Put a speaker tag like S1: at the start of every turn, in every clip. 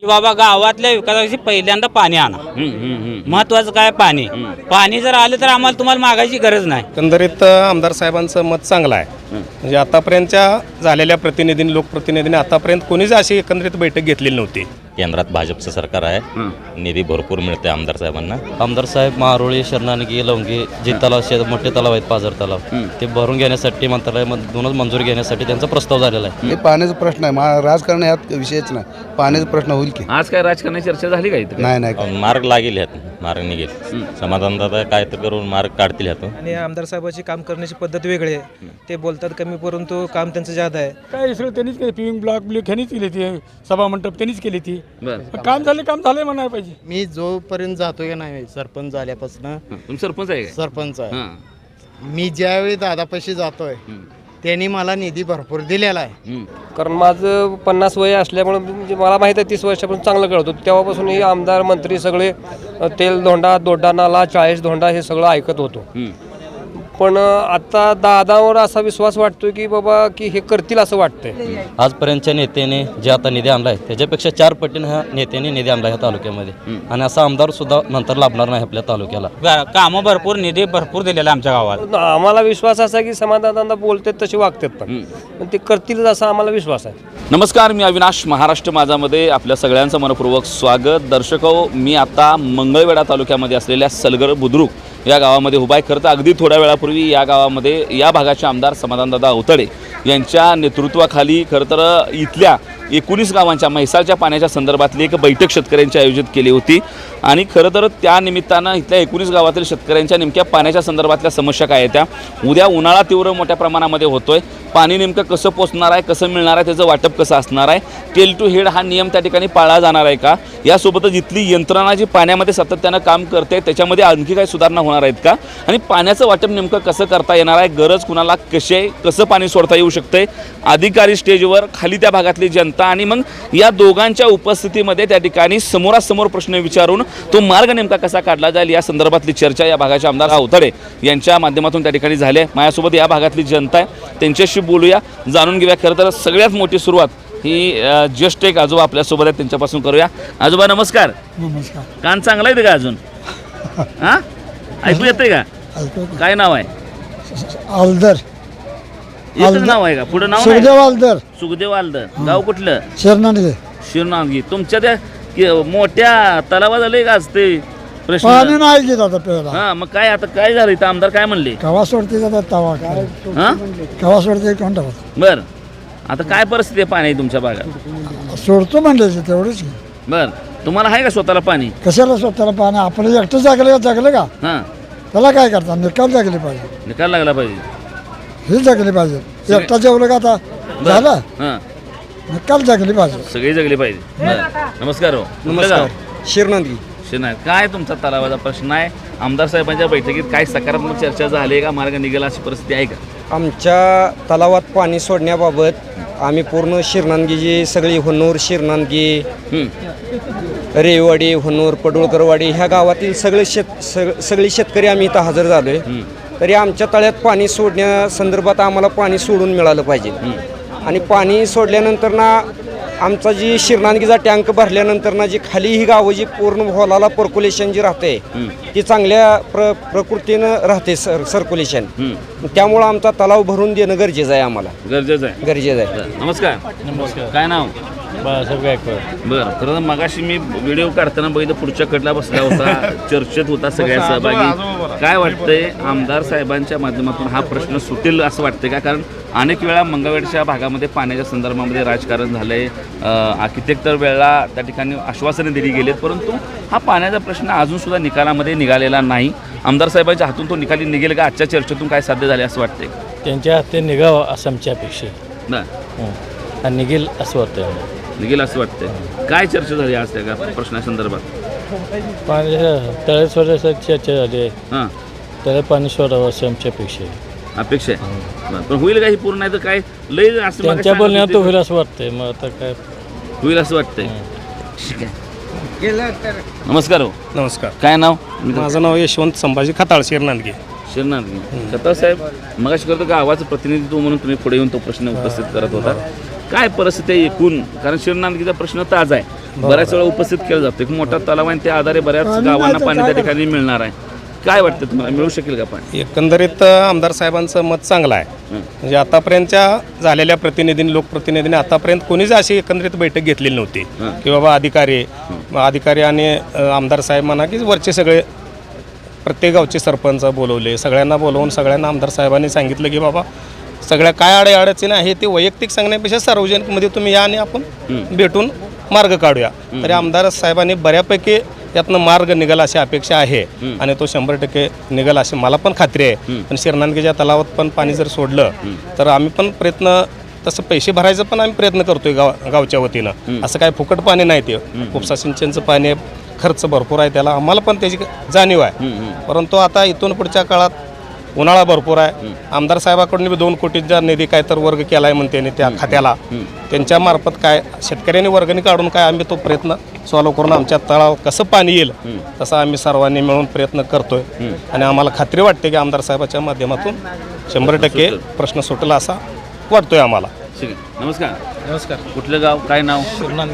S1: की बाबा गावातल्या विकासाची पहिल्यांदा पाणी आणा. महत्वाचं काय पाणी. पाणी जर आलं तर आम्हाला तुम्हाला मागायची गरज नाही.
S2: एकंदरीत आमदार साहेबांचं मत चांगलं आहे. म्हणजे आतापर्यंतच्या झालेल्या प्रतिनिधींनी लोकप्रतिनिधींनी आतापर्यंत कोणीच अशी एकंदरीत बैठक घेतलेली नव्हती.
S3: केंद्रात भाजपचं सरकार आहे. निधी भरपूर मिळते आमदार साहेबांना.
S4: आमदार साहेब मारोळी शरणानगी लवंगी जे तलाव मोठे तलाव आहेत पाझर तलाव ते भरून घेण्यासाठी मंत्रालयामधूनच मंजुरी घेण्यासाठी त्यांचा प्रस्ताव झालेला आहे.
S5: हे पाण्याचा प्रश्न आहे. राजकारण यात विषयच नाही. पाण्याचा प्रश्न होईल की
S6: आज काय राजकारणाची चर्चा झाली का इथं?
S5: नाही
S3: मार्ग लागेल ह्यात. मार्ग निघेल. समाधानदाता काय तर करून मार्ग काढतील ह्यातून.
S7: आणि आमदार साहेबांची काम करण्याची पद्धत वेगळी आहे. ते बोलतात कमी परंतु काम त्यांचं जादा आहे.
S8: काय सगळं त्यांनीच केलं. पिविंग ब्लॉक ह्यांनीच केली ती सभा मंडप त्यांनीच केली ती. काम झाले म्हणायला पाहिजे.
S9: मी जोपर्यंत जातोय का नाही सरपंच झाल्यापासून
S6: तुम्ही सरपंच आहे का?
S9: सरपंच आहे. मी ज्यावेळी दादापाशी जातोय त्यांनी मला निधी भरपूर दिलेला आहे.
S10: कारण माझं 50 वय असल्यामुळे म्हणजे मला माहीत आहे 30 वर्षापासून चांगलं कळत होतं. तेव्हापासून हे आमदार मंत्री सगळे तेल धोंडा दोड्डा नाला 40 धोंडा हे सगळं ऐकत होतो. पण आता दादावर असा विश्वास वाटतोय की बाबा की हे करतील असं वाटतंय.
S4: आजपर्यंतच्या नेत्याने जे आता निधी आणला आहे त्याच्यापेक्षा 4 पटीने ह्या नेत्याने निधी आणला ह्या तालुक्यामध्ये. आणि असा आमदार सुद्धा नंतर लाभणार नाही आपल्या तालुक्याला.
S1: कामं भरपूर निधी भरपूर दिलेला आमच्या गावात.
S10: आम्हाला विश्वास असा आहे की समाधानदा बोलतात तसे वागतात पण ते करतील असा आम्हाला विश्वास आहे.
S6: नमस्कार, मी अविनाश. महाराष्ट्र माझामध्ये आपल्या सगळ्यांचं मनपूर्वक स्वागत. दर्शको, मी आता मंगळवेढा तालुक्यामध्ये असलेल्या सलगर बुद्रुक या गावामध्ये उभा आहे. खरं तर अगदी थोड्या वेळापूर्वी या गावामध्ये या भागाचे आमदार समाधानदादा अवतडे यांच्या नेतृत्वाखाली खरं तर इथल्या 19 गावांच्या म्हैसाळच्या पाण्याच्या संदर्भातली एक बैठक शेतकऱ्यांची आयोजित केली होती. आणि खरं तर त्या निमित्तानं इथल्या 19 गावातील शेतकऱ्यांच्या नेमक्या पाण्याच्या संदर्भातल्या समस्या काय आहेत त्या. उद्या उन्हाळा तीव्र मोठ्या प्रमाणामध्ये होतोय. पाणी नेमकं कसं पोचणार आहे, कसं मिळणार आहे, त्याचं वाटप कसं असणार आहे, टेल टू हेड हा नियम त्या ठिकाणी पाळला जाणार आहे का, यासोबतच इथली यंत्रणा जी पाण्यामध्ये सातत्यानं काम करते त्याच्यामध्ये आणखी काही सुधारणा होणार आहेत का, आणि पाण्याचं वाटप नेमकं कसं करता येणार आहे, गरज कुणाला कसं पाणी सोडता येऊ शकते, अधिकारी स्टेजवर, खाली त्या भागातली जनता, आणि मग या दोघांच्या उपस्थितीमध्ये त्या ठिकाणी समोरासमोर प्रश्न विचारून तो मार्ग नेमका कसा काढला जाईल या संदर्भातली चर्चा या भागाचे आमदार अवतडे यांच्या माध्यमातून त्या ठिकाणी झाली आहे. माझ्यासोबत या भागातली जनता आहे, त्यांच्याशी बोलूया, जाणून घेऊया. खरं तर सगळ्यात मोठी सुरुवात ही जस्ट एक आजोबा आपल्यासोबत आहेत त्यांच्यापासून करूया. आजोबा नमस्कार.
S8: नमस्कार.
S6: कान चांगला आहे का अजून? हां, ऐकू येते का? काय नाव आहे?
S8: आलदर.
S6: एकच नाव आहे का? पुढे नाव
S8: सुखदेव आलदर.
S6: सुखदेव आलदर. गाव कुठलं?
S8: शरणानगी.
S6: शिरनांगी. तुमच्या त्या मोठ्या तलावात आले का आज ते प्रश्न?
S8: पाणी नाही घेत आता प्यायला.
S6: हा, मग काय आता काय झालं इथं? आमदार काय म्हणले?
S8: कवा सोडते जातात तवा काय
S6: हा,
S8: कवा सोडते कोणता
S6: बर. आता काय परिस्थिती आहे पाणी तुमच्या भागात?
S8: सोडतो म्हणले तेवढंच.
S6: बर, तुम्हाला आहे का स्वतःला पाणी?
S8: कशाला स्वतःला पाणी? आपलं एकटं जगलं का?
S6: हा,
S8: त्याला काय करता? निकाल जगले पाहिजे.
S6: निकाल लागला पाहिजे.
S8: हे जगले पाहिजे. एकटा जेवलं का आता झालं?
S6: हा,
S8: निकाल जगले पाहिजे.
S6: सगळी जगली पाहिजे. बरं. नमस्कार. हो,
S2: नमस्कार. शिरनांदी.
S6: शिरनाथ, काय तुमचा तलावाचा प्रश्न आहे? आमदार साहेबांच्या बैठकीत काय सकारात्मक चर्चा झाली का? मार्ग निघाला अशी परिस्थिती आहे का?
S9: आमच्या तलावात पाणी सोडण्याबाबत आम्ही पूर्ण शिरनांदगी सगळी होन्नूर, शिरनांदगी, रेवाडी, होन्नूर, पडुळकरवाडी ह्या गावातील सगळे शेतकरी आम्ही इथं हजर झालो आहे. तरी आमच्या तळ्यात पाणी सोडण्यासंदर्भात आम्हाला पाणी सोडून मिळालं पाहिजे. आणि पाणी सोडल्यानंतर ना आमचा जी शिरनांदगीचा टँक भरल्यानंतर ना जी खाली ही गावं जी पूर्ण होलाला पर्क्युलेशन जी राहते ती चांगल्या प्रकृतीनं राहते सर्क्युलेशन. त्यामुळं आमचा तलाव भरून देणं गरजेचं आहे. आम्हाला
S6: गरजेचं आहे. नमस्कार. नमस्कार. काय नाव?
S4: बाळासाहेब गायकवाड.
S6: बरं. खरं तर मगाशी मी व्हिडिओ काढताना बघितलं पुढच्या कडला बसला होता, चर्चेत होता सगळ्या सहभागी. काय वाटतंय आमदार साहेबांच्या माध्यमातून हा प्रश्न सुटेल असं वाटतंय का? कारण अनेक वेळा मंगळवेढच्या भागामध्ये पाण्याच्या संदर्भामध्ये राजकारण झालंय. कित्येक वेळा त्या ठिकाणी आश्वासने दिली गेलीत, परंतु हा पाण्याचा प्रश्न अजून सुद्धा निकालामध्ये निघालेला नाही. आमदार साहेबांच्या हातून तो निकाली निघेल का? आजच्या चर्चेतून काय साध्य झाले असं वाटतंय?
S4: त्यांच्या हाते निघावं असं आमच्या अपेक्षा आणि निघेल असं वाटतं.
S6: निघेल असं वाटतंय. काय चर्चा झाली आज त्या प्रश्नासंदर्भात?
S4: पाणी तळे सोडायसाठी चर्चा झाली आहे.
S6: हां,
S4: तळे पाणी सोडावं असं आमची अपेक्षा आहे.
S6: अपेक्षा आहे. पण होईल का ही पूर्ण? नाही तर काय लय असं
S4: त्यांच्या बोलण्यात होईल असं वाटतंय. मग आता काय
S6: होईल असं वाटतंय. ठीक आहे. नमस्कार. हो,
S2: नमस्कार.
S6: काय नाव?
S2: माझं नाव यशवंत संभाजी खताळ, शिरनांदगी.
S6: शिरनाथ. कथा साहेब, मगाशी करतो गावाचं प्रतिनिधित्व म्हणून तुम्ही पुढे येऊन तो प्रश्न उपस्थित करत होता. काय परिस्थिती आहे एकूण? कारण शिरनांदगीचा प्रश्न ताजा आहे. बऱ्याच वेळा उपस्थित केलं जातं एक मोठा तलाव आहे त्या आधारे बऱ्याच गावांना पाणी त्या ठिकाणी मिळणार आहे. काय वाटतं तुम्हाला मिळू शकेल का पाणी?
S2: एकंदरीत आमदार साहेबांचं मत चांगलं आहे. म्हणजे आतापर्यंतच्या झालेल्या लोकप्रतिनिधींनी आतापर्यंत कोणीच अशी एकंदरीत बैठक घेतलेली नव्हती की बाबा अधिकारी आणि आमदार साहेब म्हणा की वरचे सगळे प्रत्येक गावचे सरपंच बोलवले, सगळ्यांना बोलवून सगळ्यांना आमदार साहेबांनी सांगितलं की बाबा सगळ्या काय अडचणी आहे ते वैयक्तिक सांगण्यापेक्षा सार्वजनिकमध्ये तुम्ही या आणि आपण भेटून मार्ग काढूया. तरी आमदार साहेबांनी बऱ्यापैकी यातनं मार्ग निघाल अशी अपेक्षा आहे आणि तो 100% निघाल अशी मला पण खात्री आहे. पण शिरनांदगीच्या तलावात पण पाणी जर सोडलं तर आम्ही पण प्रयत्न तसं पैसे भरायचं पण आम्ही प्रयत्न करतोय गावच्या वतीनं. असं काय फुकट पाणी नाही ते उपसा सिंचनचं पाणी आहे, खर्च भरपूर आहे त्याला, आम्हाला पण त्याची जाणीव आहे. परंतु आता इथून पुढच्या काळात उन्हाळा भरपूर आहे. आमदार साहेबाकडून 2 कोटीचा निधी काय तर वर्ग केला आहे म्हणते त्या खात्याला, त्यांच्या मार्फत काय शेतकऱ्यांनी वर्गणी काढून काय आम्ही तो प्रयत्न सॉल्व्ह करून आमच्या तळाव कसं पाणी येईल तसा आम्ही सर्वांनी मिळून प्रयत्न करतोय. आणि आम्हाला खात्री वाटते की आमदार साहेबाच्या माध्यमातून 100% प्रश्न सुटला असा वाटतोय आम्हाला.
S6: नमस्कार. कुठलं गाव, काय नाव?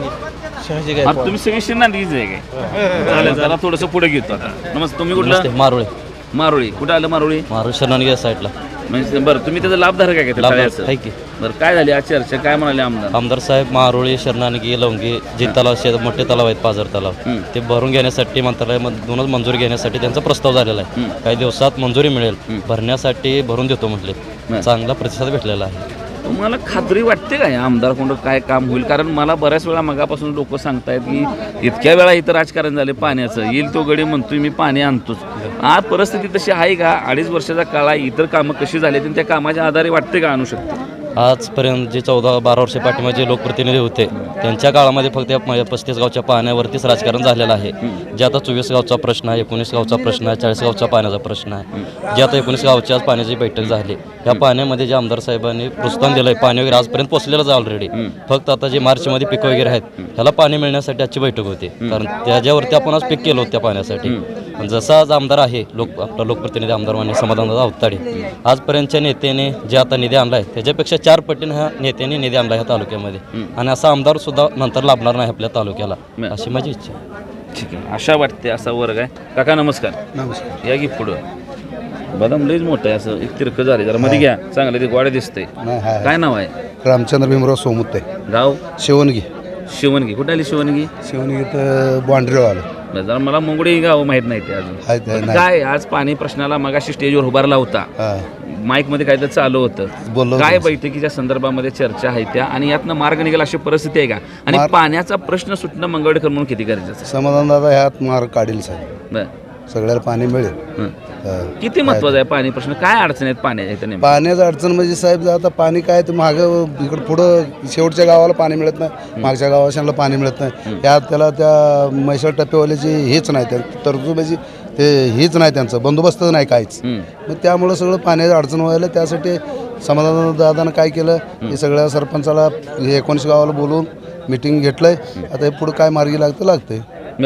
S6: तुम्ही सगळे शिरनांदगीच आहे काय? चालेल, जरा थोडंसं पुढे घेतो आता. नमस्कार. तुम्ही कुठलं? मारोळी. कुठं आलं मारोळी?
S4: शरणानगी साईडला.
S6: म्हणजे बरं, तुम्ही त्याचा लाभधारक आहे का? बरं, काय झाली आज चर्चा, काय म्हणाले
S4: आमदार साहेब? मारोळी, शरणानगी, लवंगी जे तलाव मोठे तलाव आहेत, पाझर तलाव, ते भरून घेण्यासाठी मंत्रालयामधूनच मंजुरी घेण्यासाठी त्यांचा प्रस्ताव झालेला आहे. काही दिवसात मंजुरी मिळेल, भरण्यासाठी भरून देतो म्हटले. चांगला प्रतिसाद भेटलेला आहे.
S6: तुम्हाला खात्री वाटते का या आमदारकडून काय काम होईल? कारण मला बऱ्याच वेळा मगापासून लोक सांगतायत की इतक्या वेळा इथं राजकारण झाले पाण्याचं, येईल तो गडी म्हणतोय मी पाणी आणतोच. आज परिस्थिती तशी आहे का? 2.5 वर्षाचा काळ आहे, इतर कामं कशी झाली त्या कामाच्या आधारे वाटते का आणू शकते?
S4: आजपर्यंत जे 14-12 वर्ष पाठीमागे जे लोकप्रतिनिधी होते त्यांच्या काळामध्ये फक्त 35 गावच्या पाण्यावरतीच राजकारण झालेलं आहे. जे आता 24 गावचा प्रश्न आहे, 19 गावचा प्रश्न आहे, 40 गावचा पाण्याचा प्रश्न आहे, जे आता 19 गावच्या पाण्याची बैठक झाली. या पाण्यामध्ये जे आमदार साहेबांनी प्रोत्साहन दिलं आहे, पाणी वगैरे आजपर्यंत पोचलेलंच आहे ऑलरेडी. फक्त आता जे मार्चमध्ये पिकं वगैरे आहेत ह्याला पाणी मिळण्यासाठी आजची बैठक होती, कारण त्याच्यावरती आपण आज पीक केलं होतं त्या पाण्यासाठी. जसा आज आमदार आहे आपला लोकप्रतिनिधी आमदार मान्य समाधानदादा अवताडे, आजपर्यंतच्या नेत्याने जे आता निधी आणला आहे त्याच्यापेक्षा 4 पटीने ह्या नेत्यांनी निधी आणला ह्या तालुक्यामध्ये. आणि असा आमदार सुद्धा नंतर लाभणार नाही आपल्या तालुक्याला, अशी माझी इच्छा आहे.
S6: ठीक आहे, आशा वाटते असा वर्ग आहे. काका नमस्कार.
S5: नमस्कार.
S6: या की पुढं. बदाम लईच मोठं आहे, असं एक तिरकं झाले, जरा मध्ये घ्या, चांगलं ते गोडे दिसतंय. काय नाव आहे?
S5: रामचंद्र भीमराव सोमुते.
S6: गाव?
S5: शिवणगी.
S6: कुठे आली शिवणगी?
S5: तर बाँड्रीवर आलं.
S6: जरा मला मुंगडी गाव माहित नाही ते अजून. काय आज पाणी प्रश्नाला मगाशी स्टेजवर उभारला होता, माईक मध्ये काहीतरी चालू होतं, काय बैठकीच्या संदर्भामध्ये चर्चा आहे त्या, आणि यातनं मार्ग निघेल अशी परिस्थिती आहे का? आणि पाण्याचा प्रश्न सुटणं मंगळवेढकर म्हणून किती गरजेचं?
S5: समाधान दादा ह्यात मार्ग काढील साहेब, सगळ्याला पाणी मिळेल.
S6: किती महत्वाचा आहे पाणी प्रश्न? काय अडचण आहेत पाण्याच्या?
S5: पाण्याचं अडचण म्हणजे साहेब आता पाणी काय तर मागं इकडं पुढं शेवटच्या गावाला पाणी मिळत नाही, मागच्या गावाशांना पाणी मिळत नाही. यात त्याला त्या म्हैसाळ टप्प्यावाल्याची हेच नाही, त्या तरतुबाची ते हेच नाही, त्यांचं बंदोबस्त नाही काहीच. मग त्यामुळं सगळं पाण्याची अडचण व्हायला, त्यासाठी समाधान दादानं काय केलं, हे सगळ्या सरपंचाला 19 गावाला बोलवून मिटिंग घेतलंय. आता हे पुढं काय मार्गी लागतंय.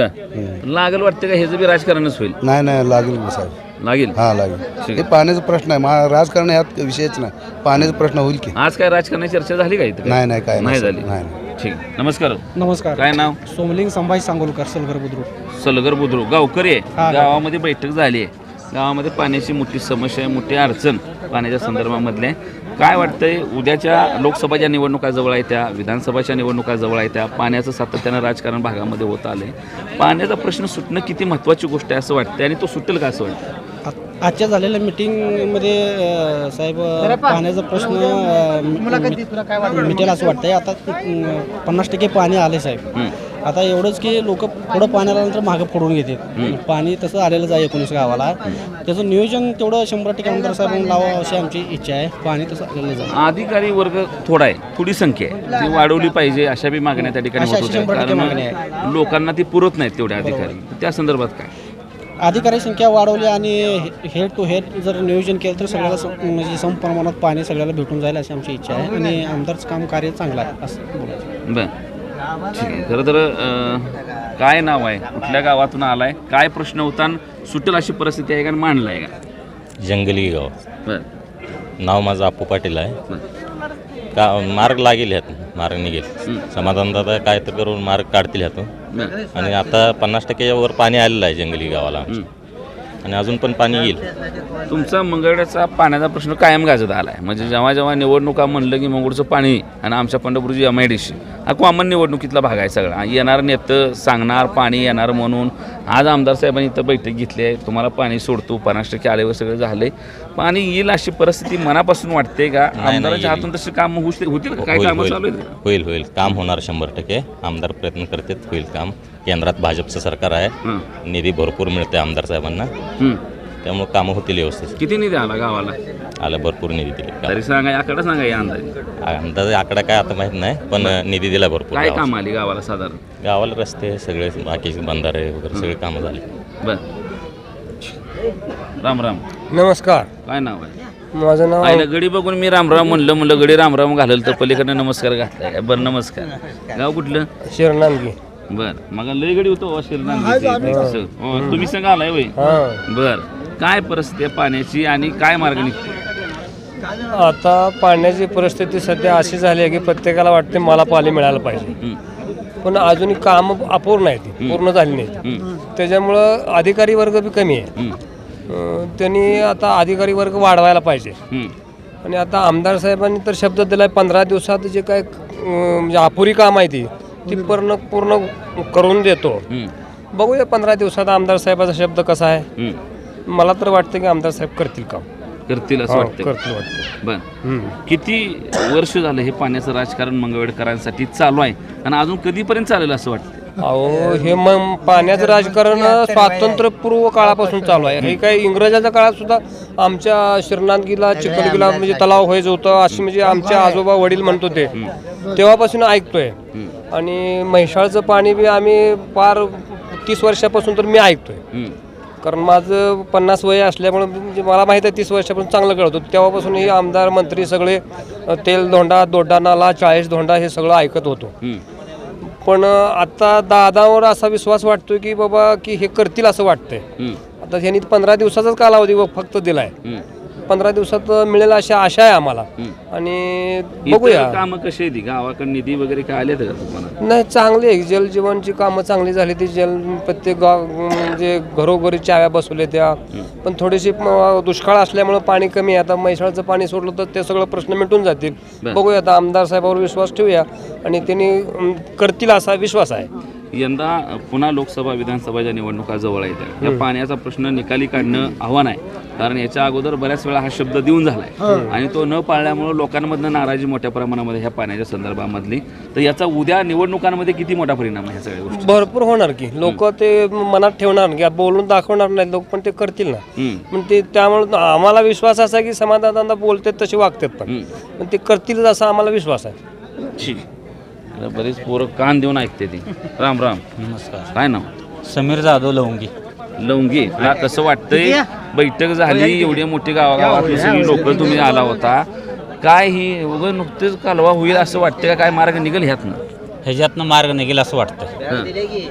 S6: लागेल वाटतं का? हे बी राजकारणच होईल?
S5: नाही लागेल साहेब, लागेल. लागेल. हे पाण्याचा प्रश्न आहे, राजकारण यात विषयच नाही, पाण्याचा प्रश्न होईल की.
S6: आज काय राजकारणाची चर्चा झाली का इथं?
S5: नाही काय
S6: नाही झाली. ठीक. नमस्कार. काय नाव?
S7: सोमलिंग संभाजी सांगोलकर,
S6: सलगर बुद्रुक. गावकरी आहे. गावामध्ये बैठक झाली आहे, गावामध्ये पाण्याची मोठी समस्या आहे, मोठी अडचण पाण्याच्या संदर्भामधले. काय वाटतंय, उद्याच्या लोकसभाच्या निवडणुका जवळ आहे, त्या विधानसभाच्या निवडणुका जवळ आहे, त्या पाण्याचं सातत्यानं राजकारण भागामध्ये होत आलंय. पाण्याचा प्रश्न सुटणं किती महत्त्वाची गोष्ट आहे असं वाटतं, आणि तो सुटेल का असं वाटतं?
S7: आजच्या झालेल्या मिटिंगमध्ये साहेब पाण्याचा प्रश्न मिटेल असं वाटतंय. आता 50% पाणी आले साहेब. आता एवढंच की लोक पुढं पाणी आल्यानंतर मागं फोडून घेतात. पाणी तसं आलेलंच आहे 19 गावाला. त्याचं नियोजन तेवढं 100% आमदार साहेबांनी लावावं अशी आमची इच्छा आहे. पाणी तसं आलेलंच आहे.
S6: अधिकारी वर्ग थोडा आहे, थोडी संख्या आहे, ती वाढवली पाहिजे अशा बी मागण्या त्या ठिकाणी होत होत्या, कारण लोकांना ती पुरत नाहीत तेवढे अधिकारी. त्या संदर्भात काय?
S7: अधिकारी संख्या वाढवली आणि हेड टू हेड जर नियोजन केलं तर सगळ्याला म्हणजे सम प्रमाणात पाणी सगळ्याला भेटून जाईल अशी आमची इच्छा आहे. आणि आमदारचं काम कार्य चांगलं आहे असं बोलायचं.
S6: बरं, ठीक आहे. खरं तर काय नाव आहे, कुठल्या गावातून आला आहे, काय प्रश्न होता, सुटेल अशी परिस्थिती आहे का, मांडला आहे का?
S3: जंगली गाव.
S6: बरं.
S3: नाव माझं आपू पाटील आहे. का मार्ग लागेल ह्यात मार्ग निघेल समाधानदादा काय तर करून मार्ग काढतील ह्यातून आणि आता 50% वर पाणी आलेलं आहे जंगली गावाला आणि अजून पण पाणी येईल.
S6: तुमचा मंगळवेढ्याचा पाण्याचा प्रश्न कायम गाजत आला आहे. म्हणजे जेव्हा जेव्हा निवडणुका म्हणलं की मंगळूरचं पाणी आणि आमच्या पंढरपूरची MIDC हा कॉमन निवडणुकीतला भाग आहे सगळा. येणार नेतं सांगणार पाणी येणार म्हणून. आज आमदार साहेबांनी इथं बैठक घेतली आहे. तुम्हाला पाणी सोडतो 50% आल्यावर सगळं झालंय. पाणी येईल अशी परिस्थिती मनापासून वाटते का? आमदाराच्या हातून तशी काम होतील का? काय कामं चालू आहेत?
S3: होईल काम होणार 100%. आमदार प्रयत्न करतात, होईल काम. केंद्रात भाजपचं सरकार आहे, निधी भरपूर मिळते आमदार साहेबांना, त्यामुळे कामं होतील व्यवस्थित.
S6: किती निधी आला गावाला?
S3: आला भरपूर निधी दिली.
S6: तरी सांगा, आकडा सांगा या
S3: अंदाजे आकडा काय आता माहित नाही, पण निधी दिला भरपूर.
S6: काय काम आली गावाला साधारण?
S3: गावाला रस्ते सगळे बाकी बंधारे वगैरे सगळे कामं झाले.
S6: बर. राम राम.
S10: नमस्कार.
S6: काय नाव आहे?
S10: माझं नाव
S6: आईला गडी बघून मी रामराम म्हणलं गडी रामराम घालल तर पलीकडनं नमस्कार घातलाय. बरं नमस्कार. गाव कुठलं?
S10: शिरनांगी.
S6: बर. मग लय गडी होतो तुम्ही संग आलाय वय? बर. काय परिस्थिती आहे पाण्याची आणि काय मार्ग निघतो?
S10: आता पाण्याची परिस्थिती सध्या अशी झाली आहे की प्रत्येकाला वाटते मला पाणी मिळालं पाहिजे, पण अजूनही काम अपूर्ण आहे, ती पूर्ण झाली नाही. त्याच्यामुळं अधिकारी वर्ग बी कमी आहे. त्यांनी आता अधिकारी वर्ग वाढवायला पाहिजे. आणि आता आमदार साहेबांनी तर शब्द दिलाय 15 दिवसात जे काय म्हणजे अपुरी काम आहे ती पूर्ण करून देतो. बघूया 15 दिवसात आमदार साहेबाचा शब्द कसा आहे. मला तर वाटतं की आमदार साहेब करतील काम.
S6: करतील असं वाटतं?
S10: करतील वाटतं.
S6: बर. किती वर्ष झालं हे पाण्याचं राजकारण मंगळवेढकरांसाठी चालू आहे आणि अजून कधीपर्यंत चालेल असं वाटतं?
S10: अहो हे मग पाण्याचं राजकारण स्वातंत्र्यपूर्व काळापासून चालू आहे. हे काही इंग्रजाच्या काळात सुद्धा आमच्या शिरनांदगीला चिखलगीला म्हणजे तलाव व्हायचं होतं अशी म्हणजे आमचे आजोबा वडील म्हणत होते, तेव्हापासून ऐकतोय. आणि म्हैसाळचं पाणी बी आम्ही पार 30 वर्षापासून तर मी ऐकतोय, कारण माझं 50 वय असल्यामुळे म्हणजे मला माहीत आहे 30 वर्षापासून चांगलं कळत होतं. तेव्हापासून हे आमदार मंत्री सगळे तेल धोंडा, दोड्डा नाला, 40 धोंडा हे सगळं ऐकत होतो. पण आता दादावर असा विश्वास वाटतोय की बाबा की हे करतील असं वाटतंय. आता ह्यांनी 15 दिवसाचाच कालावधी फक्त दिलाय. 15 दिवसात मिळेल अशी आशा आहे आम्हाला. आणि बघूया
S6: कामं कशी आहे, गावाकडे निधी वगैरे काय आले का तुम्हाला?
S10: नाही, चांगली आहे. जलजीवनची कामं चांगली झाली. ती प्रत्येक गाव म्हणजे घरोघरी चाव्या बसवल्या त्या. पण थोडीशी दुष्काळ असल्यामुळे पाणी कमी आहे. आता म्हैसाळचं पाणी सोडलं तर ते सगळं प्रश्न मिटून जातील. बघूया, आता आमदार साहेबांवर विश्वास ठेवूया आणि त्यांनी करतील असा विश्वास आहे.
S6: यंदा पुन्हा लोकसभा विधानसभाच्या निवडणुका जवळ येतात. या पाण्याचा प्रश्न निकाली काढणं आव्हान आहे, कारण याच्या अगोदर बऱ्याच वेळा हा शब्द देऊन झालाय आणि तो न पाळल्यामुळे लोकांमधनं नाराजी मोठ्या प्रमाणामध्ये ह्या पाण्याच्या संदर्भामधली. तर याचा उद्या निवडणुकांमध्ये किती मोठा परिणाम आहे? ह्या सगळ्या गोष्टी
S10: भरपूर होणार की लोक ते मनात ठेवणार की बोलून दाखवणार नाही लोक, पण ते करतील ना. पण ते त्यामुळे आम्हाला विश्वास असा आहे की समाधानदा बोलतात तसे वागतात, पण ते करतील असा आम्हाला विश्वास आहे.
S6: ठीक. बरीच पोरं कान देऊन ऐकते ती. राम राम.
S1: नमस्कार.
S6: काय नाव?
S1: समीर जाधव लवंगी.
S6: लवंगी. तुला कसं वाटतंय? बैठक झाली, एवढी मोठी गावागावातली सगळी लोक तुम्ही आला होता, काय ही उगं नुकतेच कालवा होईल असं वाटतं का? काय मार्ग निघेल ह्यातनं?
S1: ह्याच्यातनं मार्ग निघेल असं वाटतं.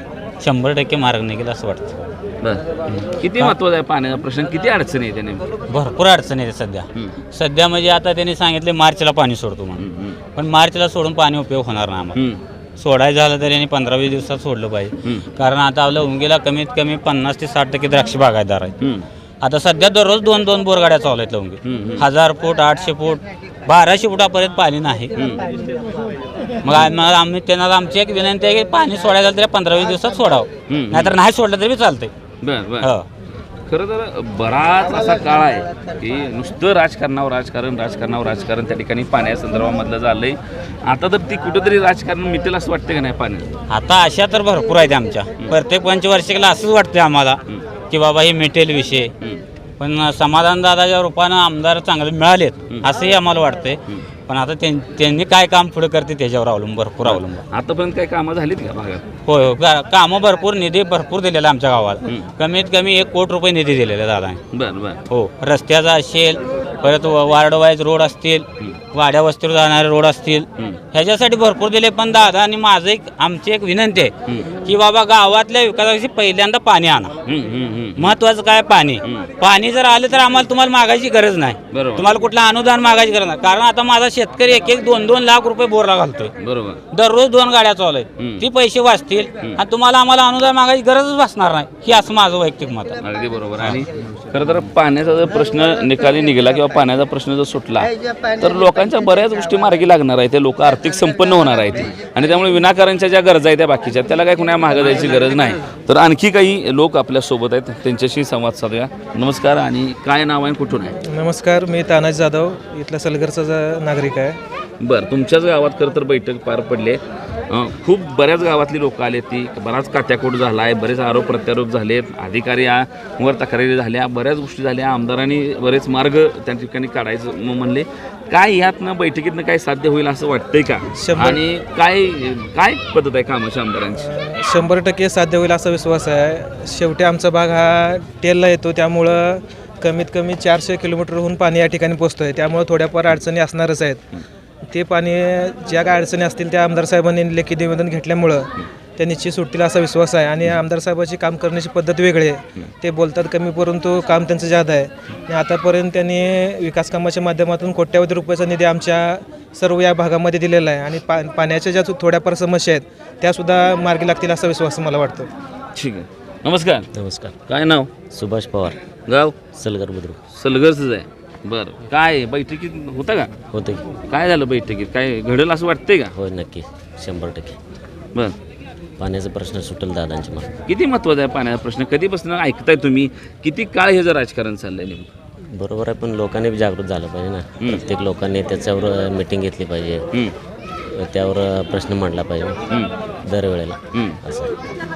S1: 100% मार्ग निघेल असं वाटतं.
S6: बरं. किती महत्वाचा आहे पाण्याचा प्रश्न? किती अडचणी आहे त्याने?
S1: भरपूर अडचणी आहे सध्या म्हणजे आता त्यांनी सांगितले मार्चला पाणी सोडतो म्हणून, पण मार्चला सोडून पाणी उपयोग होणार नाही आम्हाला. सोडायचं झालं तर यांनी 15-20 दिवसात सोडलं पाहिजे, कारण आता आपल्या उंगीला कमीत कमी 50 ते 60% द्राक्ष बागायतदार आहेत. आता सध्या दररोज 2-2 बोरगाड्या चालू आहेत लवंगी. 1000 फूट, 800 फूट, 1200 फुटापर्यंत पाणी नाही. मग आम्ही त्यांना आमची एक विनंती आहे की पाणी सोडायचं झालं तरी 15-20 दिवसात सोडावं, नाहीतर नाही सोडलं तरी चालतंय.
S6: खरं तर बराच असा काळ आहे की नुसतं राजकारण त्या ठिकाणी पाण्या संदर्भामधलं झालंय. आता तर ती कुठंतरी राजकारण मिटेल असं वाटतं का नाही पाण्यात?
S1: आता अशा तर भरपूर आहेत आमच्या. प्रत्येक पंचवार्षिकला असंच वाटतंय आम्हाला की बाबा हे मिटेल विषय, पण समाधान दादाच्या रूपानं आमदार चांगले मिळालेत असंही आम्हाला वाटतंय. पण आता त्यांनी काय काम पुढे करते त्याच्यावर भरपूर अवलंबून.
S6: आतापर्यंत काय कामं झालीत का भागात?
S1: होय, कामं भरपूर, निधी भरपूर दिलेला आमच्या गावाला. कमीत कमी 1 कोटी रुपये निधी दिलेला दादा.
S6: बरं.
S1: हो, रस्त्याचा असेल, परत वार्ड वाईज रोड असतील, वाड्या वस्तीवर जाणारे रोड असतील ह्याच्यासाठी भरपूर दिले. पण दादा आणि माझं आमची एक विनंती आहे की बाबा गावातल्या विकासाची पहिल्यांदा पाणी आणा. महत्वाचं काय पाणी जर आलं तर आम्हाला तुम्हाला मागायची गरज नाही. तुम्हाला कुठलं अनुदान मागायची गरज नाही. कारण आता माझा शेतकरी 1-2 लाख रुपये बोरला घालतोय. दररोज 2 गाड्या चालू आहेत. ती पैसे वाचतील आणि तुम्हाला आम्हाला अनुदान मागायची गरजच वाचणार नाही. ही असं माझं वैयक्तिक मत आहे.
S6: अगदी बरोबर. आणि खरं तर पाण्याचा जर प्रश्न निकाली निघाला किंवा पाण्याचा प्रश्न जर सुटला तर लोकांच्या बऱ्याच गोष्टी मार्गी लागणार आहेत. ते लोक आर्थिक संपन्न होणार आहेत आणि त्यामुळे विनाकारांच्या ज्या गरजा आहेत त्या बाकीच्या त्याला काय कुणा मागं जायची गरज नाही. तर आणखी काही लोक आपल्या सोबत आहेत, त्यांच्याशी संवाद साधूया. नमस्कार. आणि काय नाव आहे, कुठून आहे?
S11: नमस्कार, मी तानाजी जाधव, इथला सलगरचा नागरिक आहे.
S6: बरं, तुमच्याच गावात खरं तर बैठक पार पडली. खूप बऱ्याच गावातली लोक आले, ती बराच कात्याकोट झाला आहे, बरेच आरोप प्रत्यारोप झालेत, अधिकारी वर तक्रारी झाल्या, बऱ्याच गोष्टी झाल्या. आमदारांनी बरेच मार्ग त्या ठिकाणी काढायचं म्हणले. काय यातनं बैठकीतनं काय साध्य होईल असं वाटतंय का? आणि काय पद्धत आहे कामाची आमदारांची?
S11: 100% साध्य होईल असा विश्वास आहे. शेवटी आमचा भाग हा टेलला येतो, त्यामुळं कमीत कमी 400 किलोमीटरहून पाणी या ठिकाणी पोचतो आहे. त्यामुळं थोड्याफार अडचणी असणारच आहेत. ते पाणी ज्या काय अडचणी असतील त्या आमदार साहेबांनी लेखी निवेदन घेतल्यामुळं त्या निश्चित सुटतील असा विश्वास आहे. आणि आमदार साहेबांची काम करण्याची पद्धत वेगळी आहे. ते बोलतात कमी, परंतु काम त्यांचं जादा आहे. आणि आतापर्यंत त्यांनी विकास कामाच्या माध्यमातून कोट्यावधी रुपयाचा निधी आमच्या सर्व या भागामध्ये दिलेला आहे. आणि पाण्याच्या ज्या थोड्याफार समस्या आहेत त्यासुद्धा मार्गी लागतील असा विश्वास मला वाटतो.
S6: ठीक आहे. नमस्कार.
S4: नमस्कार.
S6: काय नाव?
S4: सुभाष पवार,
S6: गाव?
S4: सलगर बुद्रुक.
S6: सलगरच आहे. बरं, काय बैठकीत होता का?
S4: होते.
S6: काय झालं बैठकीत? काय घडेल असं वाटतंय का?
S4: होय, नक्की 100%.
S6: बरं,
S4: पाण्याचा प्रश्न सुटेल दादांच्या मागे.
S6: किती महत्त्वाचा आहे पाण्याचा प्रश्न? कधीपासून ऐकताय तुम्ही? किती काळ हे जर राजकारण चाललंय नेमकं?
S4: बरोबर आहे, पण लोकांनी बी जागृत झालं पाहिजे ना. प्रत्येक लोकांनी त्याच्यावर मीटिंग घेतली पाहिजे, त्यावर प्रश्न मांडला पाहिजे दरवेळेला असं.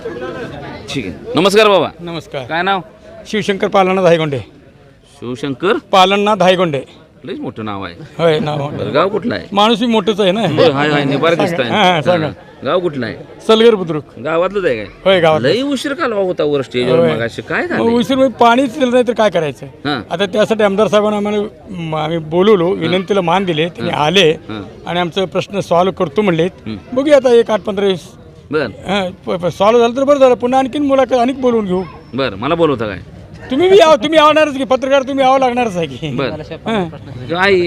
S6: ठीक आहे. नमस्कार बाबा.
S8: नमस्कार.
S6: काय नाव?
S8: शिवशंकर पालनाथ धायगोंडे.
S6: शिवशंकर
S8: पालनाथ धायगोंडे.
S6: लईच मोठं नाव आहे.
S8: होय, नाव.
S6: बरं, गाव कुठलं आहे?
S8: माणूस बी मोठंच आहे ना.
S6: हाय निबार दिसताय.
S8: हां, सांगा.
S6: गाव कुठलं आहे?
S8: सलगर बुद्रुक.
S6: गावातलंच आहे काय?
S8: होय, गावात.
S6: लई उशीर कालवा होता वर स्टेजवर. मग असे काय झालं?
S8: उशीर म्हणजे पाणीच दिलं नाही तर काय करायचं?
S6: हां.
S8: आता त्यासाठी आमदार साहेबांना आम्ही बोलवलो, विनंतीला मान दिले, त्यांनी आले आणि आमचा प्रश्न सॉल्व्ह करतो म्हणले. बघूया आता 1 8 15 20
S6: बरं
S8: सॉल्व्ह झालं तर बरं झालं. पुन्हा आणखीन मुलाखत अनेक बोलवून घेऊ.
S6: बरं, मला बोलवता काय?
S8: तुम्ही बी यावं, तुम्ही आवणारच की पत्रकार, तुम्ही यावं लागणारच आहे की.
S6: बरं, काय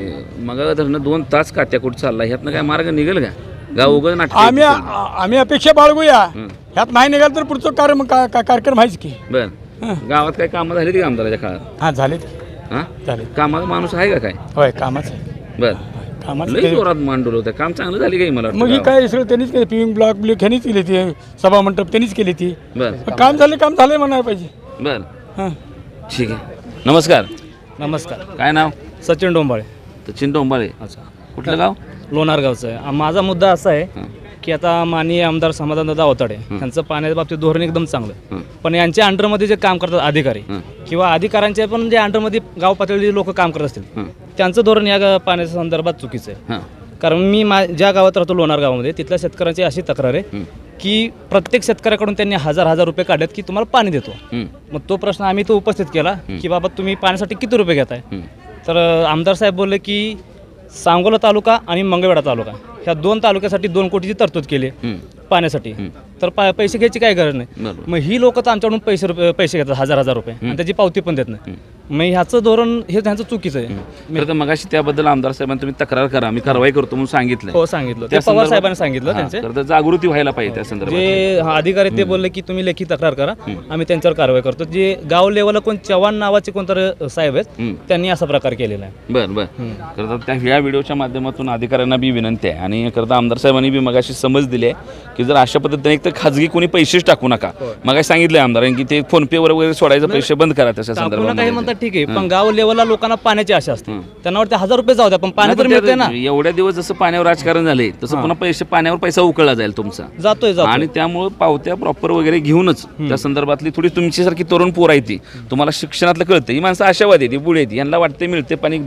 S6: मग धरणं 2 तास कात्याकूट चालला, ह्यातनं काय मार्ग निघेल का? गाव उघड नाटक
S8: आम्ही अपेक्षा बाळगूया. ह्यात नाही निघाल तर पुढचं कार्यक्रम आहेच की.
S6: बरं, गावात काय कामं झाली ती आमदाराच्या काळात?
S8: हां, झाले.
S6: हां,
S8: झाले.
S6: कामाचा माणूस आहे का काय?
S8: होय, कामाच आहे.
S6: बरं,
S8: कामाचं
S6: लई जोरात मांडवलं होतं. काम चांगलं झाली काही मला
S8: मग ही काय सगळं त्यांनीच केली. पिविंग ब्लॉक ह्यांनीच केली ती. सभा मंडप त्यांनीच केली ती.
S6: बरं
S8: काम झालं म्हणायला पाहिजे.
S6: बरं,
S8: हां,
S6: ठीक आहे. नमस्कार.
S7: नमस्कार.
S6: काय नाव?
S7: सचिन डोंबाळे.
S6: सचिन डोंबाळे.
S7: अच्छा.
S6: कुठलं गाव?
S7: लोणार गावचं आहे. माझा मुद्दा असा आहे की आता माननीय आमदार समाधानदादा अवताडे यांचं पाण्याच्या बाबतीत धोरण एकदम चांगलं, पण यांच्या अंडरमध्ये जे काम करतात अधिकारी किंवा अधिकाऱ्यांच्या पण जे अंडरमध्ये गाव पातळीवर लोक काम करत असतील त्यांचं धोरण या पाण्याच्या संदर्भात चुकीचं आहे. कारण मी ज्या गावात राहतो लोणार गावामध्ये, तिथल्या शेतकऱ्यांची अशी तक्रार आहे की प्रत्येक शेतकऱ्याकडून त्यांनी 1000 रुपये काढलेत की तुम्हाला पाणी देतो. मग तो प्रश्न आम्ही तो उपस्थित केला की बाबा तुम्ही पाण्यासाठी किती रुपये घेताय? तर आमदार साहेब बोलले की सांगोला तालुका आणि मंगळवेढा तालुका ह्या 2 तालुक्यासाठी 2 कोटीची तरतूद केली पाण्यासाठी. तर पैसे घ्यायची काय गरज नाही. मग ही लोक तर आमच्याकडून पैसे घेतात 1000 रुपये आणि त्याची पावती पण देत नाही. मग ह्याचं धोरण हे त्यांचं चुकीचं आहे.
S6: खरं तर मगाशी त्याबद्दल आमदार साहेबांनी तुम्ही तक्रार करा, मी कारवाई करतो म्हणून सांगितलं.
S7: हो, सांगितलं. ते पवार साहेबांनी सांगितलं. त्यांचे
S6: जागृती व्हायला पाहिजे त्या संदर्भात.
S7: जे अधिकारी ते बोलले की तुम्ही लेखी तक्रार करा, आम्ही त्यांच्यावर कारवाई करतो. जे गाव लेवलला कोण चव्हाण नावाचे कोणतरी साहेब आहेत त्यांनी असा प्रकार केलेला आहे.
S6: बरं बरं. खरं तर त्या ह्या व्हिडिओच्या माध्यमातून अधिकाऱ्यांना बी विनंती आहे आणि खरं तर आमदार साहेबांनी बी मगाशी समज दिली आहे की जर अशा पद्धतीने एक तर खाजगी कोणी पैसेच टाकू नका. मगाशी सांगितलंय आमदारांनी की ते फोनपे वगैरे सोडायचं, पैसे बंद करा त्याच्या संदर्भात.
S7: काही म्हणतात ठीक आहे, पण गाव लेवलला लोकांना पाण्याची आशा असते. त्यांना वाटते 1000 रुपये जाऊ द्या पण पाणी तर मिळते ना.
S6: एवढ्या दिवस जसं पाण्यावर राजकारण झाले तसं पुन्हा पाण्यावर पैसा उकळला जाईल तुमचा.
S7: जातोय.
S6: आणि त्यामुळे पावत्या प्रॉपर वगैरे घेऊनच त्या संदर्भातली थोडी तुमच्यासारखी तरुण पोर आहे ती, तुम्हाला शिक्षणातलं कळतं. ही माणसं आशावादी ती पुढे येते, यांना वाटते मिळते पाणी द्या,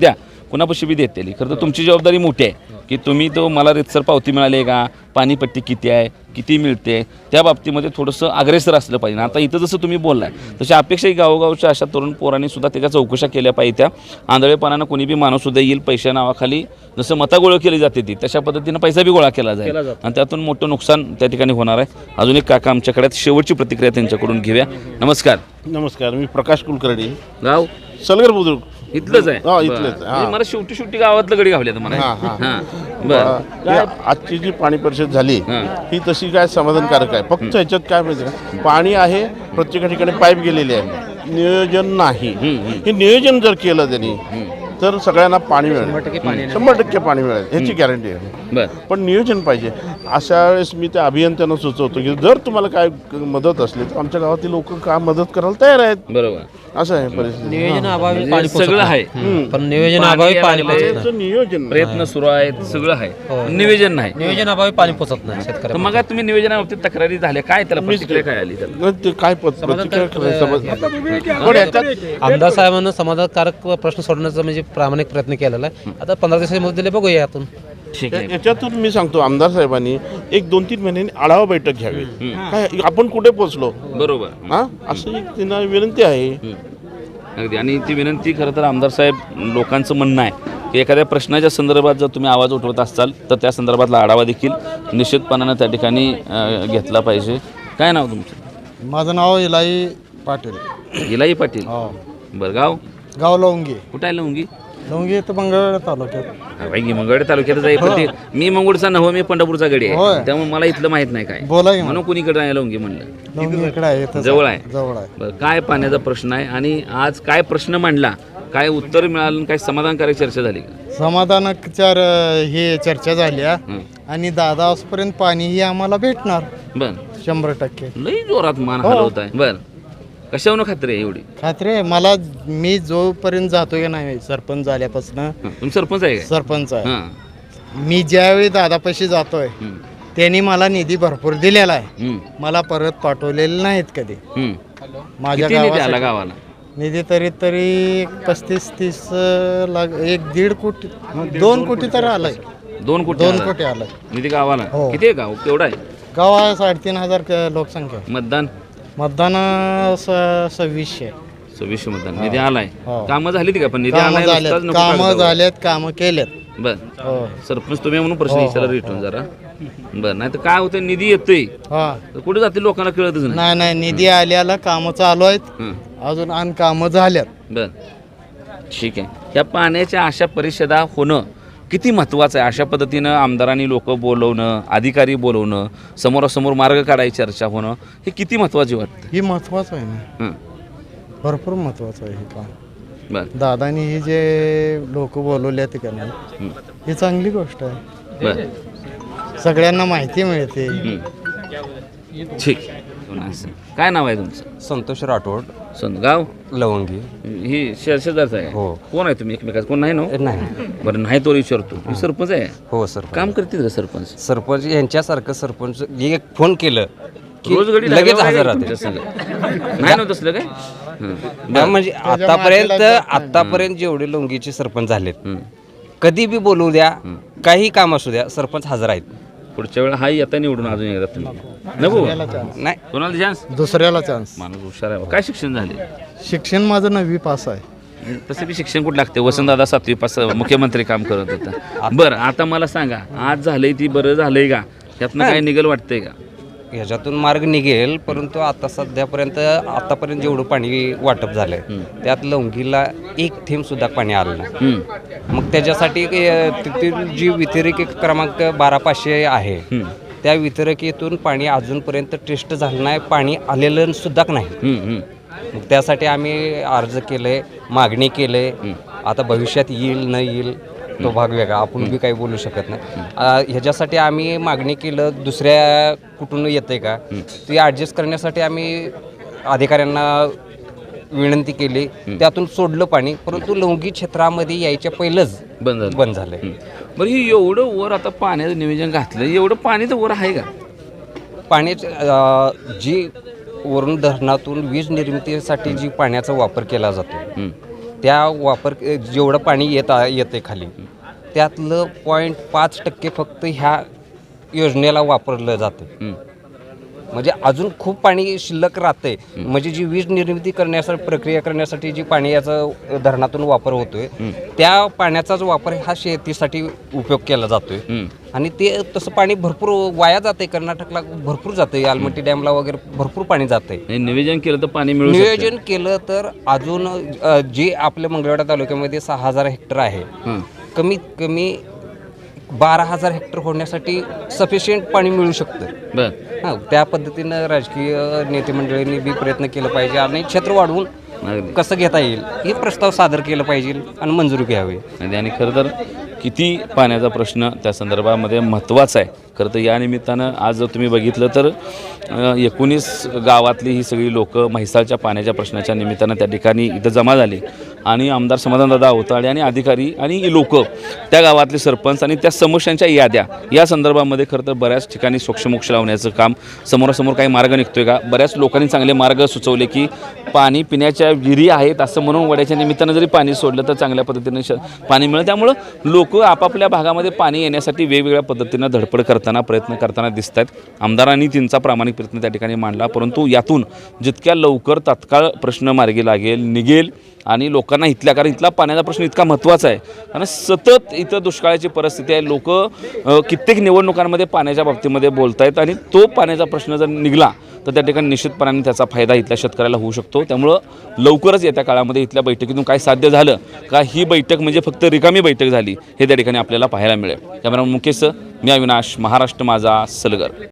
S6: कुणापाशी बी देतेली. खरं तर तुमची जबाबदारी मोठी आहे की तुम्ही तो मला रितसर पावती मिळाली आहे का, पाणीपट्टी किती आहे, किती मिळते, त्या बाबतीमध्ये थोडंसं अग्रेसर असलं पाहिजे. आता इथं जसं तुम्ही बोललाय तशी अपेक्षाही गावोगावच्या अशा तरुण पोरांनी सुद्धा त्याच्या चौकशा केल्या पाहिजे. त्या आंधळेपणानं कोणी बी माणूससुद्धा येईल पैशा नावाखाली जसं मता गोळा केली जाते ती तशा पद्धतीनं पैसा बी गोळा केला जाईल आणि त्यातून मोठं नुकसान त्या ठिकाणी होणार आहे. अजून एक काका आमच्याकडे शेवटची प्रतिक्रिया त्यांच्याकडून घेऊया. नमस्कार.
S12: नमस्कार, मी प्रकाश कुलकर्णी,
S6: गाव
S12: सलगर बुद्रुक.
S6: इथलंच आहे.
S12: हो, इथलंच आहे.
S6: म्हणजे मला शेवटी गावातलं गडी गावल्या मला.
S12: आजची जी पाणी परिषद झाली ही तशी काय समाधानकारक आहे. फक्त ह्याच्यात काय माहिती, पाणी आहे प्रत्येक ठिकाणी पाईप गेलेले आहे, नियोजन नाही. हे नियोजन जर केलं त्यांनी तर सगळ्यांना पाणी मिळेल, 100% पाणी मिळेल, ह्याची गॅरंटी आहे. पण नियोजन पाहिजे. अशा वेळेस मी त्या अभियंत्यांना सुचवतो की जर तुम्हाला काय मदत असली तर आमच्या गावातील लोक का मदत करायला तयार आहेत.
S6: बरोबर,
S12: असं आहे परिस्थिती.
S10: नियोजनाअभावी
S6: म्हणजे सगळं आहे
S10: पण नियोजनाअभावी पाणी
S12: नियोजन
S6: प्रयत्न सुरू आहेत, सगळं आहे, नियोजन नाही.
S10: नियोजनाअभावी पाणी पोचत नाही
S6: तर
S10: शेतकऱ्या.
S6: मग तुम्ही नियोजनाबाबतीत तक्रारी झाल्या काय, त्याला प्रतिक्रिया काय आली त्याला?
S12: ते काय प्रतिक्रिया करायचं. पण याच्यात
S10: आमदार साहेबांना समाधानकारक प्रश्न सोडण्याचा म्हणजे प्रामाणिक प्रयत्न केलेला आहे. आता 15 दिवसाची मुदत दिली, बघूया यातून.
S6: ठीक आहे.
S12: याच्यातून मी सांगतो आमदार साहेबांनी एक 2-3 महिन्यांनी आढावा बैठक घ्यावी. काय आपण कुठे पोहोचलो,
S6: बरोबर,
S12: हा असं एक त्यांना विनंती आहे.
S6: अगदी. आणि ती विनंती खरं तर आमदार साहेब लोकांचं म्हणणं आहे की एखाद्या प्रश्नाच्या संदर्भात जर तुम्ही आवाज उठवत असाल तर त्या संदर्भातला आढावा देखील निश्चितपणानं त्या ठिकाणी घेतला पाहिजे. काय नाव तुमचं?
S5: माझं नाव इलाई पाटील.
S6: इलाई पाटील. बरं,
S5: गाव लवंगी.
S6: कुठं आहे लवंगी?
S5: लवंगी तर मंगळवेढा तालुक्यात.
S6: मंगळवेढा तालुक्यात जाईल पण ते मी मंगळूरचा नव्ह, मी पंढरपूरचा गडी आहे, त्यामुळे मला इथलं माहित नाही काय.
S5: बोला की
S6: म्हणून कुणीकडे आहे लवंगी म्हणलं?
S5: लवंगी इकडे आहे,
S6: जवळ आहे.
S5: जवळ आहे.
S6: बरं, काय पाण्याचा प्रश्न आहे आणि आज काय प्रश्न मांडला, काय उत्तर मिळालं, काय समाधानकारक चर्चा झाली का?
S5: समाधानक हे चर्चा झाली आणि दादा आजपर्यंत पाणी ही आम्हाला भेटणार.
S6: बर,
S5: 100%.
S6: लई जोरात मान हलवत आहे. बर, कशावरून खात्री आहे एवढी?
S5: खात्री आहे मला. मी जोपर्यंत जातो की नाही सरपंच झाल्यापासून.
S6: तुम्ही सरपंच आहे का?
S5: सरपंच आहे मी. ज्यावेळी दादापाशी जातोय त्यांनी मला निधी भरपूर दिलेला आहे, मला परत पाठवलेले नाहीत कधी. माझ्या
S6: गावाला
S5: निधी तरी 35-30 लाख, 1-1.5 कोटी, 2 कोटी तर आलाय.
S6: 2 कोटी
S5: आलाय
S6: निधी गावाला. किती आहे गाव? केवढा आहे
S5: गाव? आहे 3,500 लोकसंख्या.
S6: मतदान
S5: 2600
S6: मतदान. निधी आलाय. कामं झाली ती का? पण निधी
S5: कामं झालेत, कामं केलेत.
S6: बर, सरपंच तुम्ही म्हणून प्रश्न विचारला रिटर्न जरा. बरं, नाही तर काय होतं, निधी येतोय कुठे जाते लोकांना कळतच
S5: नाही. निधी आल्याला कामं चालू आहेत अजून आणि कामं झाल्यात.
S6: बर, ठीक आहे. ह्या पाण्याच्या अशा परिषदा होणं किती महत्त्वाचं आहे? अशा पद्धतीनं आमदारांनी लोक बोलवणं, अधिकारी बोलवणं, समोरासमोर मार्ग काढायची चर्चा होणं, हे किती महत्त्वाची वाटतं?
S5: ही महत्त्वाचं आहे ना, भरपूर महत्त्वाचं आहे हे काम.
S6: बरं,
S5: दादानी ही जे लोक बोलवले ते नाही, ही चांगली गोष्ट आहे.
S6: बरं,
S5: सगळ्यांना माहिती मिळते.
S6: ठीक. काय नाव आहे तुमचं?
S4: संतोष राठोड,
S6: गाव
S4: लवंगी.
S6: ही शेजारचं आहे.
S4: हो.
S6: कोण आहे तुम्ही एकमेकाचं? कोण नाही ना?
S4: नाही.
S6: बरं, नाही तो विचारतो. सरपंच आहे?
S4: हो सर.
S6: काम करतील का सरपंच?
S4: सरपंच यांच्यासारखं सरपंच एक फोन केलं की
S6: रोज गडी
S4: लगेच हजर राहते.
S6: नाही ना तसलं काय?
S4: म्हणजे आतापर्यंत जेवढे लवंगीचे सरपंच झालेत, कधी बी बोलू द्या, काही काम असू द्या, सरपंच हजर आहेत.
S6: पुढच्या वेळा हाही आता निवडून अजून एकदा तुम्ही नको
S4: नाही,
S6: कोणाला चान्स?
S5: दुसऱ्याला चान्स.
S6: माणूस हुशार आहे. काय शिक्षण झाले?
S5: शिक्षण माझं 9वी पास आहे.
S6: तसं बी शिक्षण कुठं लागते? वसंतदादा 7वी पास मुख्यमंत्री काम करत होता. बरं, आता मला सांगा, आज झालंय ती बरं झालंय का? यातनं काय निघल वाटतंय का?
S4: ह्याच्यातून मार्ग निघेल, परंतु आता आतापर्यंत जेवढं पाणी वाटप झालंय त्यात लवंगीला एक थेंब सुद्धा पाणी आलं नाही. मग त्याच्यासाठी तिथील जी वितरिक क्रमांक 12500 आहे त्या वितरकीतून पाणी अजूनपर्यंत टेस्ट झालं नाही, पाणी आलेलं सुद्धा नाही. मग त्यासाठी आम्ही अर्ज केले, मागणी केले. आता भविष्यात येईल न येईल तो भाग वेगळा, आपण बी काही बोलू शकत नाही. ह्याच्यासाठी आम्ही मागणी केलं, दुसऱ्या कुठून येतंय का ते ॲडजस्ट करण्यासाठी आम्ही अधिकाऱ्यांना विनंती केली, त्यातून सोडलं पाणी. परंतु लवंगी क्षेत्रामध्ये यायच्या पहिलंच बंद झालंय.
S6: बरं, ही एवढं वर आता पाण्याचं नियोजन घातलं, एवढं पाणी तर वर आहे का?
S4: पाण्याची जी वरून धरणातून वीज निर्मितीसाठी जी पाण्याचा वापर केला जातो
S9: त्या वापर जेवढं पाणी येते खाली त्यातलं 0.5% फक्त ह्या योजनेला वापरलं जातं. म्हणजे अजून खूप पाणी शिल्लक राहते. म्हणजे जी वीज निर्मिती करण्यासाठी प्रक्रिया करण्यासाठी जी पाणी याचा धरणातून वापर होतोय त्या पाण्याचाच वापर हा शेतीसाठी उपयोग केला जातोय. आणि ते तसं पाणी भरपूर वाया जाते. कर्नाटकला भरपूर जाते, आलमट्टी डॅमला वगैरे भरपूर पाणी जाते.
S6: नियोजन केलं तर पाणी मिळू
S9: नियोजन केलं तर अजून जे आपल्या मंगळवेढा तालुक्यामध्ये 6,000 हेक्टर आहे, कमीत कमी 12,000 हेक्टर होण्यासाठी सफिशियंट पाणी मिळू शकतं. हां, त्या पद्धतीनं राजकीय नेते मंडळींनी बी प्रयत्न केला पाहिजे आणि क्षेत्र वाढवून कसं घेता येईल हे प्रस्ताव सादर केला पाहिजे आणि मंजुरी घ्यावी.
S6: आणि खरं तर किती पाण्याचा प्रश्न त्या संदर्भामध्ये महत्त्वाचा आहे. खरं तर या निमित्तानं आज जर तुम्ही बघितलं तर 19 गावातली ही सगळी लोक म्हैसाळच्या पाण्याच्या प्रश्नाच्या निमित्तानं त्या ठिकाणी इथं जमा झाली आणि आमदार समाधानदादा अवताडे आणि अधिकारी आणि लोक त्या गावातले सरपंच आणि त्या समस्यांच्या याद्या या संदर्भामध्ये खरं तर बऱ्याच ठिकाणी सोक्षमोक्ष लावण्याचं काम, समोरासमोर काही मार्ग निघतोय का, बऱ्याच लोकांनी चांगले मार्ग सुचवले की पाणी पिण्याच्या विहिरी आहेत असं म्हणून वड्याच्या निमित्तानं जरी पाणी सोडलं तर चांगल्या पद्धतीने पाणी मिळेल. त्यामुळं लोक आपापल्या भागामध्ये पाणी येण्यासाठी वेगवेगळ्या पद्धतीनं धडपड करताना प्रयत्न करताना दिसत आहेत. आमदारांनी त्यांचा प्रामाणिक प्रयत्न त्या ठिकाणी मांडला, परंतु यातून जितक्या लवकर तात्काळ प्रश्न मार्गी लागेल निघेल आणि लोकांना इथल्या, कारण इथला पाण्याचा प्रश्न इतका महत्त्वाचा आहे कारण सतत इथं दुष्काळाची परिस्थिती आहे. लोक कित्येक निवडणुकांमध्ये पाण्याच्या बाबतीमध्ये बोलत आहेत आणि तो पाण्याचा प्रश्न जर निघला तर त्या ठिकाणी निश्चितपणाने त्याचा फायदा इथल्या शेतकऱ्याला होऊ शकतो. त्यामुळं लवकरच येत्या काळामध्ये इथल्या बैठकीतून काय साध्य झालं का ही बैठक म्हणजे फक्त रिकामी बैठक झाली हे त्या ठिकाणी आपल्याला पाहायला मिळेल. कॅमेरामन मुकेश, मी अविनाश, महाराष्ट्र माझा, सलगर.